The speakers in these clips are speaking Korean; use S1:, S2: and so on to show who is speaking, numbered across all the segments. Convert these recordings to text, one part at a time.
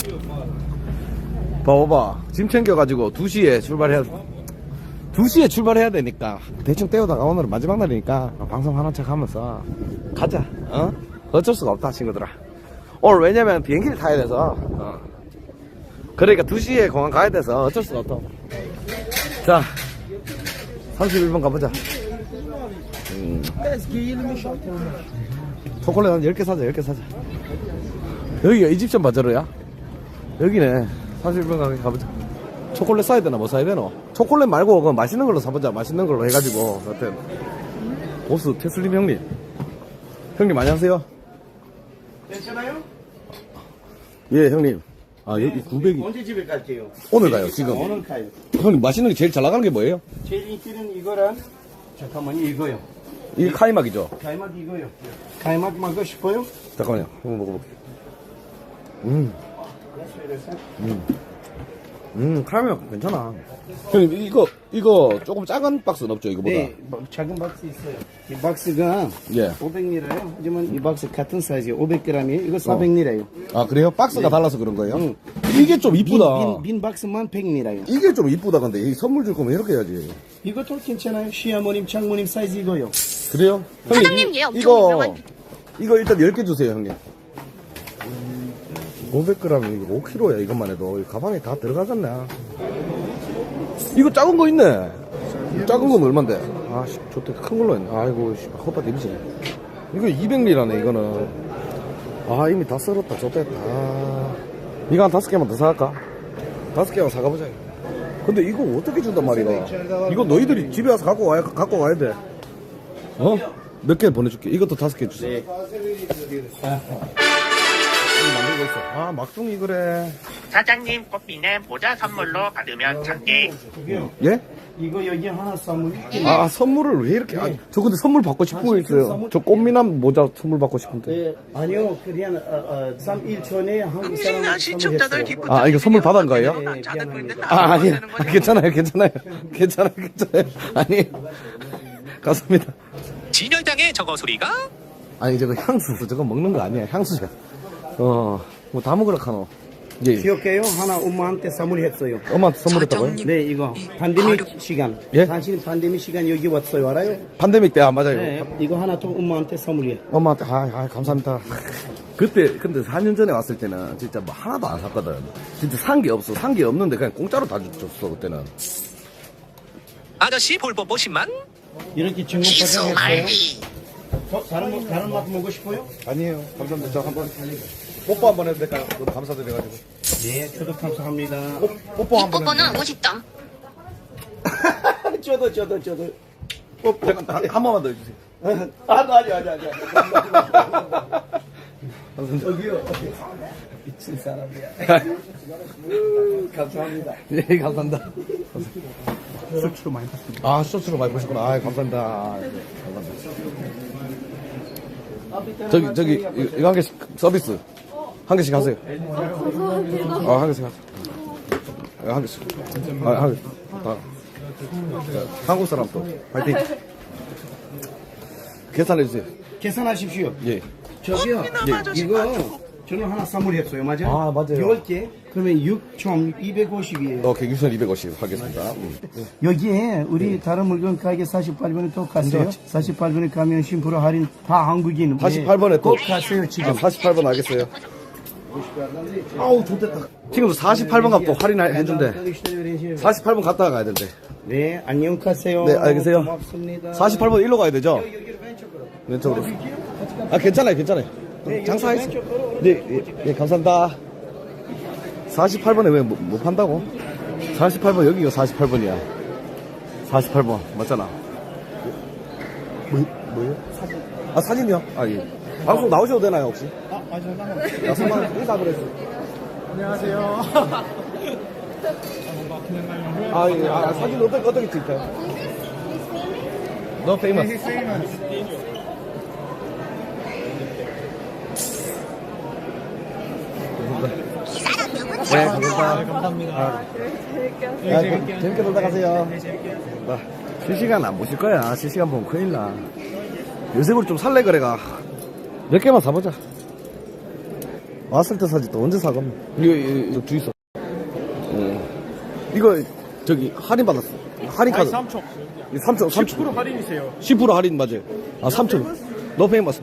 S1: 봐봐. 짐 챙겨가지고 2시에 출발해야 되니까. 대충 때우다가 오늘은 마지막 날이니까 방송 하는 척 하면서 가자. 어쩔 수가 없다, 친구들아. 오늘 왜냐면 비행기를 타야 돼서. 그러니까 2시에 공항 가야 돼서 어쩔 수가 없다. 자, 31번 가보자. 초콜릿 한 10개 사자, 10개 사자. 여기가 이집션 바자로야? 여기네. 31번 가보자. 초콜릿 사야 되나, 뭐 사야 되노? 초콜릿 말고, 그 맛있는 걸로 사보자. 맛있는 걸로 해가지고. 여튼. 보스 테슬림 형님. 형님, 안녕하세요.
S2: 괜찮아요?
S1: 예, 형님. 아, 여기 900이.
S2: 언제 집에 갈게요?
S1: 오늘 가요, 지금.
S2: 오늘 가요.
S1: 형님, 맛있는 게 제일 잘 나가는 게 뭐예요?
S2: 제일 인기는 이거랑, 잠깐만요, 이거요.
S1: 이게 카이막이죠?
S2: 가이막 이거요. 가이막 먹고 싶어요?
S1: 잠깐만요. 한번 먹어볼게요. 카이막 괜찮아. 형님, 이거 조금 작은 박스는 없죠, 이거보다?
S2: 네, 작은 박스 있어요. 이 박스가
S1: 예.
S2: 500리라요. 하지만 이 박스 같은 사이즈예요. 500g이에요. 이거 400리라요.
S1: 아, 그래요? 박스가
S2: 네.
S1: 달라서 그런 거예요?
S2: 응.
S1: 이게 좀 이쁘다.
S2: 빈 박스만 100리라요.
S1: 이게 좀 이쁘다, 근데. 이 선물 줄 거면 이렇게 해야지.
S2: 이것도 괜찮아요. 시어머님, 장모님 사이즈 이거요.
S1: 그래요?
S3: 사장님, 얘 엄청 유명한.
S1: 이거 일단 10개 주세요, 형님. 500g, 이거 5kg야, 이것만 해도. 이 가방에 다 들어가겠네. 이거 작은 거 있네. 작은 건 얼만데? 아, 씨, 좋대. 큰 걸로 했네. 아이고, 씨, 헛바 데미지네. 이거 200리라네, 이거는. 아, 이미 다 썰었다. 좋대. 아. 이거 한 5개만 더 사갈까? 5개만 사가보자. 근데 이거 어떻게 준단 말이야? 이거 너희들이 집에 와서 갖고 와야 돼. 어? 몇 개 보내줄게. 이것도 5개 주세요.
S2: 네.
S1: 만들고 있어. 아, 막둥이 그래.
S3: 사장님 꽃비는 모자 선물로 받으면 작게.
S1: 예?
S2: 이거 여기 하나 선물.
S1: 아, 선물을 왜 이렇게. 아, 저 근데 선물 받고 싶은 거 있어요. 저 꽃미남 모자 선물 받고 싶은데.
S2: 네, 아니요, 그냥 3일 전에 한국 사람
S3: 시청자들 기쁜
S1: 아, 이거 선물 받은 거예요?
S2: 네, 미안합니다.
S1: 아, 아니. 괜찮아요. 괜찮아요. 아니. 감사합니다.
S3: 진열장의 저거 소리가?
S1: 아니, 저거 향수. 저거 먹는 거 아니야. 향수야. 뭐 다 먹으라 카노. 예.
S2: 기억해요? 하나 엄마한테 선물했어요.
S1: 엄마한테 선물했다고요?
S2: 네, 이거 pandemic 시간.
S1: 예?
S2: 당신 pandemic 시간 여기 왔어요, 알아요?
S1: 팬데믹 때, 맞아요.
S2: 네, 이거 하나 또 엄마한테 선물이에요.
S1: 엄마한테, 감사합니다. 그때, 근데 4년 전에 왔을 때는 진짜 뭐 하나도 안 샀거든. 진짜 산 게 없어. 산 게 없는데 그냥 공짜로 다 줬어, 그때는.
S3: 아저씨 볼뽀뽀 10만?
S2: 이렇게 증거 포장했어요. 다른 맛 먹고 싶어요?
S1: 아니에요. 감사합니다. 저 한번 뽀뽀 한번 해도 될까요? 너무 감사드려가지고.
S2: 네, 저도 감사합니다.
S1: 뽀뽀
S3: 이
S1: 한번
S3: 뽀뽀는 50점.
S2: 저도.
S1: 잠깐, 한 번만 더 해주세요.
S2: 아니. 저기요. 미친 사람이야. 감사합니다.
S1: 예, 감사합니다.
S2: 수치로 많이 받습니다.
S1: 아, 쇼츠로 많이 보셨구나. 아, 감사합니다. 감사합니다. 저기, 이거 한 개씩 서비스. 한 개씩 하세요. 아, 한 개씩 하세요. 한 개씩. 한 개씩. 한국 사람 또. 파이팅. 계산해주세요.
S2: 계산하십시오.
S1: 예.
S2: 저기요. 이거 저는 하나 선물했어요. 맞아요?
S1: 아, 맞아요.
S2: 10개. 그러면 6,250이에요.
S1: 오케이, 6,250 하겠습니다.
S2: 여기에 우리 다른 물건 가게 48번에 또 가세요. 48번에 가면 10% 할인 다 한국인.
S1: 48번에 또.
S2: 꼭 가세요, 지금.
S1: 48번 알겠어요. 아우, 좋겠다. 지금도 48번 갖고 할인해준대. 48번 갔다가 가야 된대.
S2: 네, 안녕 가세요.
S1: 네, 알겠어요.
S2: 고맙습니다.
S1: 48번 일로 가야 되죠?
S2: 여기로 왼쪽으로.
S1: 왼쪽으로. 아, 괜찮아요. 장사했어. 네, 감사합니다. 48번에 왜 못 판다고? 48번, 여기가 48번이야. 48번, 맞잖아. 뭐예요? 사진. 아, 사진이요? 아, 예. 방송 나오셔도 되나요, 혹시?
S2: 맞아요.
S1: 야, 선만 인사 그랬어.
S4: 안녕하세요.
S1: 아, 예. 사진 어떻게 찍을까요? No famous. 네, 감사합니다. 재밌게 놀다 가세요. 실시간 안 보실 거야. 실시간 보면 큰일 나. 요새 우리 좀 살래 그래가. 몇 개만 사보자. 왔을 때 사지 또 언제 사감? 이거 주있어. 이거 저기 할인 받았어. 할인 카드.
S4: 3초.
S1: 3초.
S4: 할인이세요.
S1: 10% 할인 맞아요. 아 3천. 너 페이머스.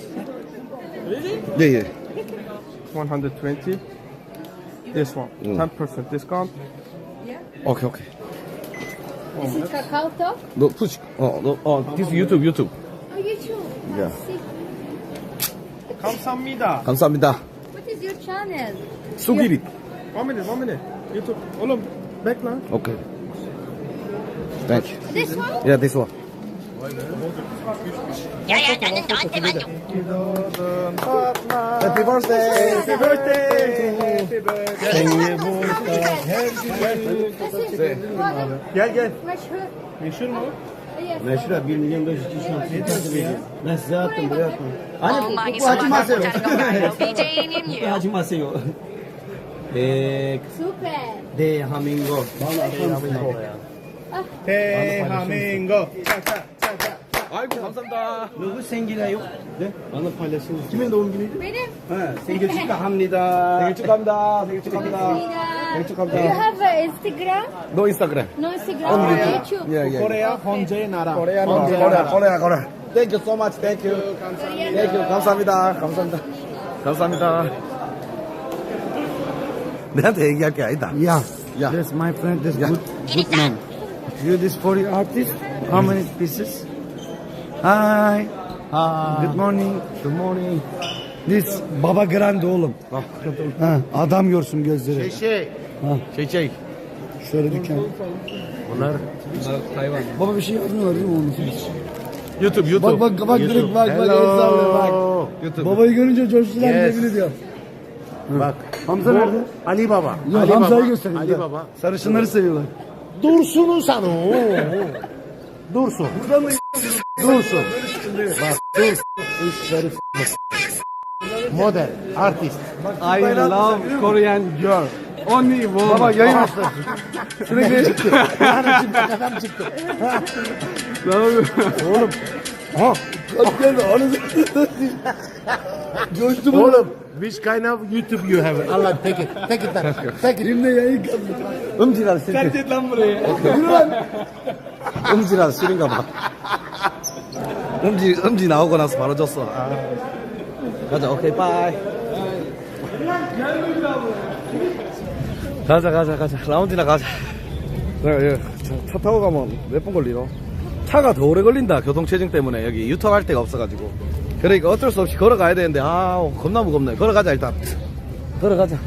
S1: 예.
S4: 120. This one. 10% discount.
S1: 오케이.
S5: This is Kakao Talk?
S1: 너 푸시. this 유튜브.
S5: Oh, YouTube.
S1: Yeah.
S5: See.
S4: 감사합니다.
S1: 감사합니다.
S5: What is your channel?
S1: 수기리.
S4: 1 minute. YouTube. 얼른 backline.
S1: 오케이. Thank you.
S5: This one?
S1: Yeah, this one.
S3: 야야 나는 너한테 만족.
S1: Happy birthday.
S5: 생일
S4: Gel.
S5: Meşhur.
S4: Meşhur mu?
S5: Yes.
S2: Meşhur 1 milyon 500 kişi Ben size attım buraya attım.
S6: 엉망이
S2: 하지 마세요.
S6: 쏟아져 건가요? BJ님
S2: 하지 마세요.
S5: Super.
S2: 대한민국.
S4: 대한민국.
S1: 아이고 감사합니다.
S2: 누구 생일이에요? 네? 나는 팔렸어요. 김의 doğum günü?
S5: Benim.
S2: 네, 생일 축하합니다.
S1: 생일 축하합니다. 생일 축하합니다.
S5: Do you have Instagram?
S1: 너 인스타그램.
S5: No Instagram.
S1: On
S5: YouTube.
S1: 예.
S4: 코리아 헌재의 나라.
S1: 코리아. Thank you so much. Thank you. 감사합니다. 내한테 얘기할 게 아니다.
S2: Yeah.
S1: Yeah.
S2: That's my friend. That's
S1: Yeah.
S2: good man. You this for the artist? How many pieces? Hi. Good morning.
S1: Good morning.
S2: This Baba Grande oğlum. Ha, adam görsün gözleri.
S1: Şey.
S2: Şöyle dükkan.
S1: Bunlar hayvan.
S2: Baba bir şey yazmıyorlar değil mi onun için?
S1: YouTube.
S2: Bak direkt bak el sallıyor bak.
S1: YouTube.
S2: Babayı görünce coştular
S1: Yes.
S2: yemin ediyor.
S1: Bak.
S2: Hamza nerede?
S1: Ali Baba.
S2: Ya Hamza'yı gösterin.
S1: Ali Baba.
S2: Sarışınları seviyorlar.
S1: Dursun'u sanı. Dursun. Dursun. Bak Dursun. Model, artist.
S4: I love Korean girl. Only one.
S2: Baba yayın açtı. Sürekli çıktı.
S1: Adam çıktı.
S2: Oğlum. Ha. Geldi. Coştu bu.
S1: Oğlum, which kind of YouTube you have? Allah take it. Take it.
S2: Şimdi yayın kaldı.
S1: 음질한 실패.
S4: Git lan buraya.
S1: 음질한 실인가 봐. 음지 나오고 나서 바로 줬어. 가자, 오케이, 바이. 가자. 라운지나 가자. 내가 차 타고 가면 몇 분 걸리노? 차가 더 오래 걸린다, 교통체증 때문에. 여기 유턴할 데가 없어가지고. 그러니까 어쩔 수 없이 걸어가야 되는데, 겁나 무겁네. 걸어가자, 일단. 걸어가자.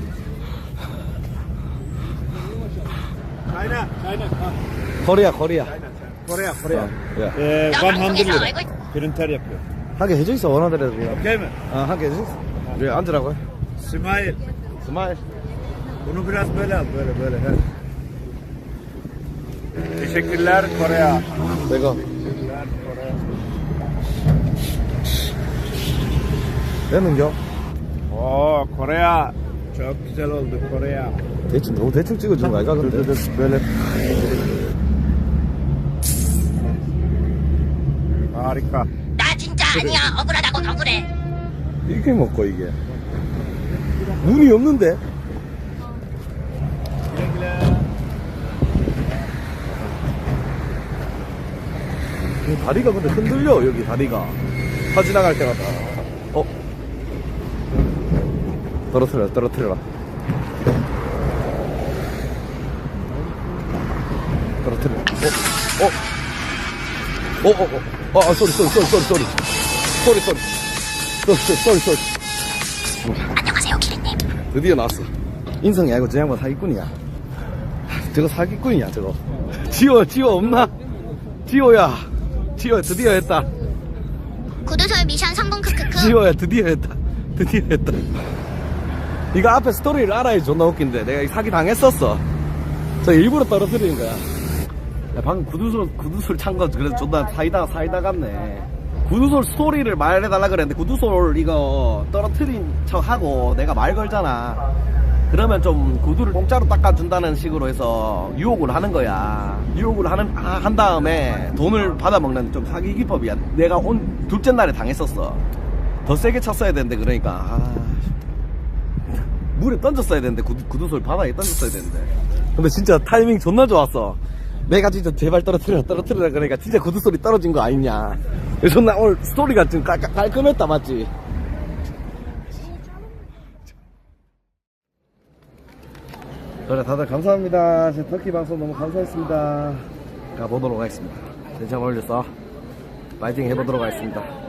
S4: China.
S1: 코리아.
S4: Korea.
S1: 야.
S3: 100 lira.
S4: Printer yapıyor.
S1: 하게 해져 있어, 원하더라도.
S4: Okey mi?
S1: 하게 해져 있어. 왜 앉으라고요?
S4: Smile.
S1: 스마일.
S4: Bunu biraz böyle al. Böyle. He. Teşekkürler Korea.
S1: 내가. 되는겨?
S4: Korea. Çok güzel oldu Korea.
S1: 너무 대충 찍어준 거 아이가, 근데?
S4: Böyle. Harika.
S3: 나 진짜 아니야. 억울하다고 억울해.
S1: 이게 먹고, 이게. 문이 없는데? 다리가 근데 흔들려, 여기 다리가. 차 지나갈 때마다. 떨어뜨려라. 떨어뜨려. 쏘리.
S3: 안녕하세요, 기린님.
S1: 드디어 나왔어. 인성이 아니고 저 양반 사기꾼이야. 저거 사기꾼이야, 저거. 지호 없나? 지호야 드디어 했다.
S3: 구두솔 미션 성공 크크크.
S1: 지호야 드디어 했다. 이거 앞에 스토리를 알아야 존나 웃긴데 내가 사기 당했었어. 저 일부러 떨어뜨리는 거야. 야, 방금 구두솔 찬 거 그래서 존나 사이다 같네. 구두솔 스토리를 말해달라 그랬는데 구두솔 이거 떨어뜨린 척 하고 내가 말 걸잖아. 그러면 좀 구두를 공짜로 닦아준다는 식으로 해서 유혹을 하는 거야. 유혹을 한 다음에 돈을 받아먹는 좀 사기 기법이야. 내가 둘째 날에 당했었어. 더 세게 쳤어야 되는데 그러니까 물에 던졌어야 되는데 구두솔 바닥에 던졌어야 되는데. 근데 진짜 타이밍 존나 좋았어. 내가 진짜 제발 떨어뜨려 그러니까 진짜 구두솔이 떨어진 거 아니냐. 그래서 나 오늘 스토리가 좀 깔끔했다 맞지? 그래 다들 감사합니다. 제 터키 방송 너무 감사했습니다. 가보도록 하겠습니다. 대장 올렸어. 파이팅 해보도록 하겠습니다.